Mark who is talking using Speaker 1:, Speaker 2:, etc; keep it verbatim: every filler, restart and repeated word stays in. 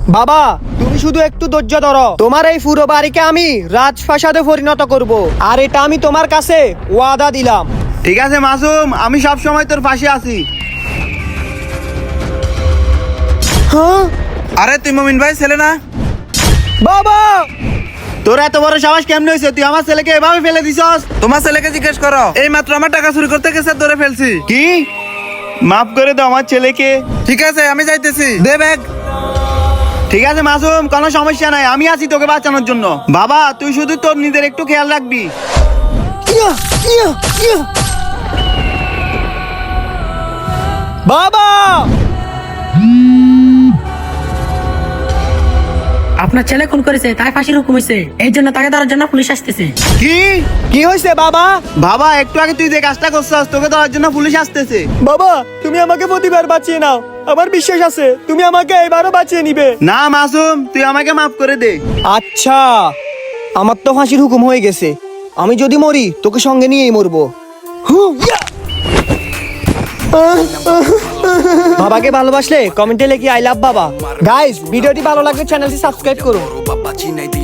Speaker 1: বাবা তুমি শুধু একটু ধৈর্য ধরো, তোমার এই পুরো বাড়িকে আমি রাজপ্রাসাদে পরিণত করব, আর এটা আমি তোমার কাছে ওয়াদা দিলাম।
Speaker 2: ঠিক আছে মাসুম, আমি সব সময় তোর পাশে আছি।
Speaker 1: হ্যাঁ
Speaker 2: আরে তুই মমিন ভাই ছেলে না?
Speaker 1: বাবা,
Speaker 2: তোর এত বড় সাহস কেমনে হয়েছে? তুই আমার ছেলেকে এভাবে ফেলে দিছস? তোমার ছেলেকে জিজ্ঞেস করো, এই মাত্র আমার টাকা চুরি করতে গেছে, ধরে ফেলছি। কি? মাফ করে দাও আমার ছেলেকে। ঠিক আছে আমি যাইতেছি, দে ব্যাগ। ঠিক আছে মাসুম, কোনো সমস্যা নাই, আমি আছি তোকে বাঁচানোর জন্য। বাবা তুই শুধু তোর নিজের একটু খেয়াল রাখবি।
Speaker 1: ইয়া, ইয়া, ইয়া। বাবা,
Speaker 3: আপনার ছেলে খুন করেছে, তাই ফাঁসির হুকুম হয়েছে। এই জন্য তাকে ধরার জন্য পুলিশ আসতেছে।
Speaker 2: কি?
Speaker 1: কি হয়েছে বাবা?
Speaker 2: বাবা একটু আগে তুই যে কাজটা করছস, তোকে ধরার জন্য পুলিশ আসতেছে।
Speaker 1: বাবা তুমি আমাকে প্রতিবার বাঁচিয়ে নাও, আমার বিশ্বাস আছে তুমি আমাকে এবারও বাঁচিয়ে নিবে।
Speaker 2: না মাসুম, তুই আমাকে মাফ করে দে।
Speaker 1: আচ্ছা, আমার তো ফাঁসির হুকুম হয়ে গেছে, আমি যদি মরি তোকে সঙ্গে নিয়েই মরবো। হু, ইয়া। বাবাকে ভালোবাসলে কমেন্টে লিখি আই লাভ বাবা। গাইস ভিডিওটি ভালো লাগলে চ্যানেলটি সাবস্ক্রাইব করুন।